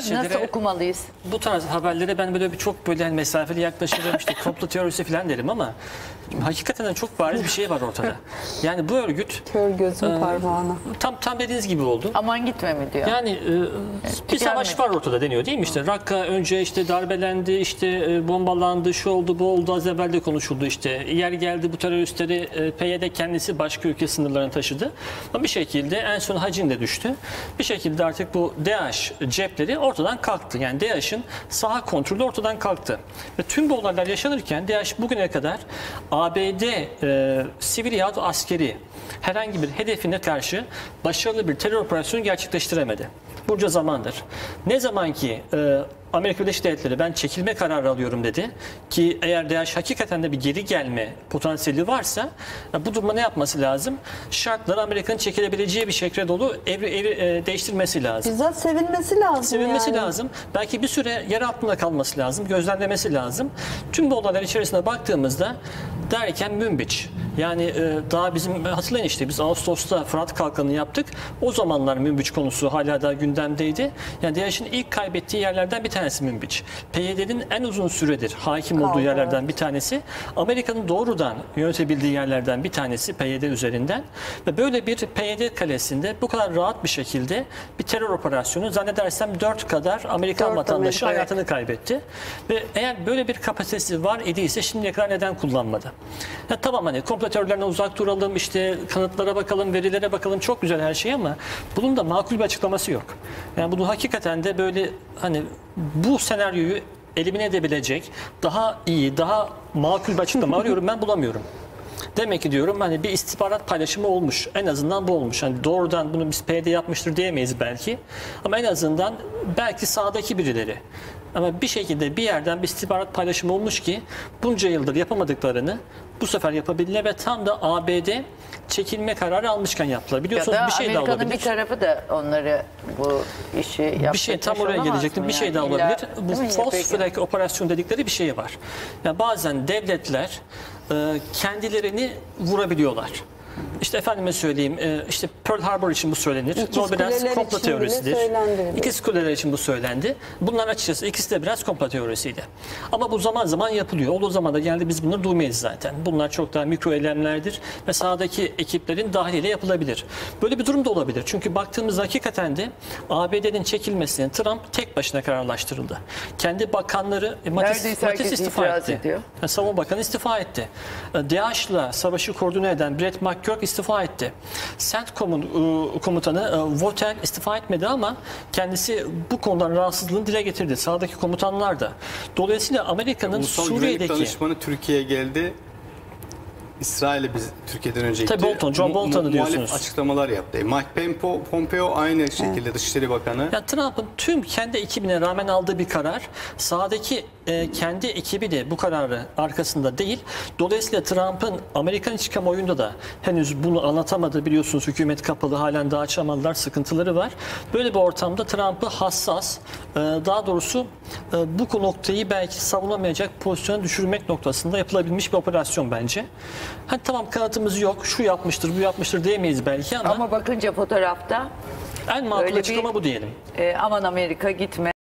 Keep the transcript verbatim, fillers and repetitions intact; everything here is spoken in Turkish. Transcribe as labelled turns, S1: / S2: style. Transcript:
S1: şeylere,
S2: nasıl okumalıyız?
S1: bu tarz haberlere ben böyle bir çok böyle hani mesafeli yaklaşırım, işte komplo teorisi falan derim ama hakikaten çok bariz bir şey var ortada. Yani bu örgüt
S3: Kör gözün
S1: e,
S3: parmağına.
S1: tam tam dediğiniz gibi oldu.
S2: Aman gitme mi diyor.
S1: Yani e, bir savaş
S2: gelmedi.
S1: var ortada deniyor değil mi? İşte Rakka önce işte darbelendi, işte e, bombalandı, şu oldu, bu oldu, az evvel de konuşuldu işte. Yer geldi bu teröristleri e, P Y D kendisi başka ülke sınırlarına taşıdı. Ama bir şekilde en son Hacin de düştü. Bir şekilde artık bu DAEŞ cepleri ortadan kalktı. Yani DAEŞ'in saha kontrolü ortadan kalktı. Ve tüm bu olaylar yaşanırken DAEŞ bugüne kadar A B D e, sivil yahut askeri herhangi bir hedefine karşı başarılı bir terör operasyonu gerçekleştiremedi. Bunca zamandır. Ne zaman ki e, Amerika Birleşik Devletleri ben çekilme kararı alıyorum dedi ki eğer DAEŞ hakikaten de bir geri gelme potansiyeli varsa bu durumda ne yapması lazım? Şartları Amerika'nın çekilebileceği bir şekilde dolu evri, evri e, değiştirmesi lazım.
S3: Bizzat sevinmesi lazım.
S1: Sevinmesi
S3: yani.
S1: lazım. Belki bir süre yer altında kalması lazım. Gözlemlemesi lazım. Tüm bu olaylar içerisine baktığımızda derken Münbiç. Yani e, daha bizim hatırlayın işte biz Ağustos'ta Fırat Kalkanı yaptık. O zamanlar Münbiç konusu hala daha gündemdeydi. Yani DAEŞ'in ilk kaybettiği yerlerden bir tanesi Münbiç. P Y D'nin en uzun süredir hakim olduğu
S3: Kaldı,
S1: yerlerden
S3: evet.
S1: bir tanesi. Amerika'nın doğrudan yönetebildiği yerlerden bir tanesi P Y D üzerinden. Ve böyle bir P Y D kalesinde bu kadar rahat bir şekilde bir terör operasyonu zannedersem dört kadar Amerikan
S3: Dört
S1: vatandaşı
S3: Amerika,
S1: hayatını kaybetti. Ve eğer böyle bir kapasitesi var idiyse şimdiye kadar neden kullanmadı? Ya tamam hani komplo teorilerine uzak duralım, işte kanıtlara bakalım, verilere bakalım, çok güzel her şey ama bunun da makul bir açıklaması yok. Yani bunu hakikaten de böyle hani bu senaryoyu elimine edebilecek daha iyi, daha makul bir açıklama arıyorum, ben bulamıyorum. Demek ki diyorum hani bir istihbarat paylaşımı olmuş. En azından bu olmuş. Hani doğrudan bunu biz P Y D yapmıştır diyemeyiz belki. Ama en azından belki sahadaki birileri. Ama bir şekilde bir yerden bir istihbarat paylaşımı olmuş ki bunca yıldır yapamadıklarını bu sefer yapabildiler ve tam da A B D çekilme kararı almışken yaptılar. Biliyorsunuz
S2: Ya da
S1: bir şey daha
S2: Amerika'nın
S1: olabilir.
S2: bir tarafı da onları bu işi yaptırmış
S1: Bir şey tam oraya
S2: olamaz
S1: gelecektim.
S2: mı
S1: Bir şey
S2: yani?
S1: daha
S2: İlla-
S1: olabilir. Bu
S2: Değil mi?
S1: false
S2: Peki.
S1: flag operasyon dedikleri bir şey var. Yani bazen devletler e, kendilerini vurabiliyorlar. İşte efendime söyleyeyim, e, işte Pearl Harbor için bu söylenir.
S3: İkiz
S1: Bu biraz
S3: Kuleler
S1: komplo
S3: için bile
S1: teorisidir.
S3: söylendi.
S1: İkiz Kuleler için bu söylendi. Bunlar açıkçası ikisi de biraz komplo teorisiydi. Ama bu zaman zaman yapılıyor. Olduğu zaman da genelde biz bunları duymayız zaten. Bunlar çok daha mikro eylemlerdir ve sahadaki ekiplerin dahiliyle yapılabilir. Böyle bir durum da olabilir. Çünkü baktığımızda hakikaten de A B D'nin çekilmesini Trump tek başına kararlaştırıldı. Kendi bakanları e, Mattis,
S2: Neredeyse
S1: Mattis
S2: herkes
S1: istifa
S2: itiraz
S1: etti.
S2: ediyor.
S1: Yani Savunma Bakanı istifa etti. DAEŞ'la savaşı koordine eden Brett McGurk istifa etti. CENTCOM'un e, komutanı e, Votel istifa etmedi ama kendisi bu konudan rahatsızlığını dile getirdi. Sağdaki komutanlar da. Dolayısıyla Amerika'nın
S4: Ulusal Güvenlik
S1: Suriye'deki...
S4: Danışmanı Türkiye'ye geldi. İsrail'e biz Türkiye'den önce
S1: Tabii
S4: gitti.
S1: Bolton, John
S4: Mu-
S1: Bolton'u
S4: mu-
S1: diyorsunuz.
S4: muhalif açıklamalar yaptı. Mike Pompeo, Pompeo aynı şekilde Dışişleri Bakanı.
S1: Ya Trump'ın tüm kendi ekibine rağmen aldığı bir karar, sahadaki e, kendi ekibi de bu kararı arkasında değil. Dolayısıyla Trump'ın Amerikan iç kamuoyunda da henüz bunu anlatamadı, biliyorsunuz hükümet kapalı, halen daha açamadılar, sıkıntıları var. Böyle bir ortamda Trump'ı hassas, e, daha doğrusu e, bu noktayı belki savunamayacak pozisyona düşürmek noktasında yapılabilmiş bir operasyon bence. Hani tamam kanıtımız yok, şu yapmıştır, bu yapmıştır diyemeyiz belki ama,
S2: Ama bakınca fotoğrafta
S1: en makul
S2: öyle bir-
S1: açıklama bu diyelim.
S2: e, aman Amerika gitme.